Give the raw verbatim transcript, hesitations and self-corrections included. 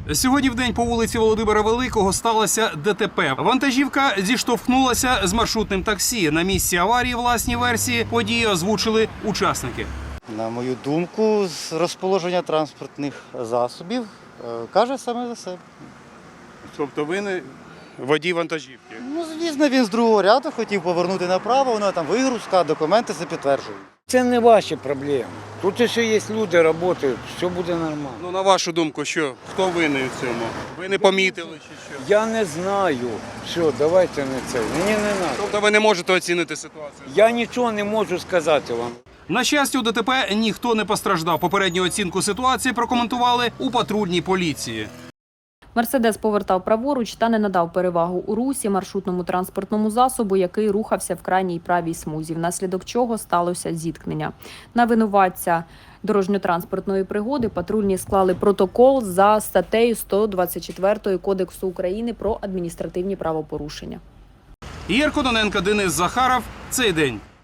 Сьогодні в день по вулиці Володимира Великого сталося ДТП. Вантажівка зіштовхнулася з маршрутним таксі. На місці аварії власні версії події озвучили учасники. На мою думку, з розположення транспортних засобів е, каже саме за себе. Тобто ви не водій вантажівки? Ну, звісно, він з другого ряду хотів повернути направо, воно там вигрузка, документи це підтверджують. Це не ваші проблеми. Тут ще є люди, працюють, все буде нормально. Ну, на вашу думку, що? Хто винний у цьому? Ви не помітили чи що? Я не знаю. Все, давайте не це. Мені не треба. Тобто ви не можете оцінити ситуацію? Я нічого не можу сказати вам. На щастя, у ДТП ніхто не постраждав. Попередню оцінку ситуації прокоментували у патрульній поліції. Мерседес повертав праворуч та не надав перевагу у русі маршрутному транспортному засобу, який рухався в крайній правій смузі, внаслідок чого сталося зіткнення. На винуватця дорожньо-транспортної пригоди патрульні склали протокол за статтею сто двадцять чотири Кодексу України про адміністративні правопорушення. Ігор Кононенко, Денис Захаров. Цей день.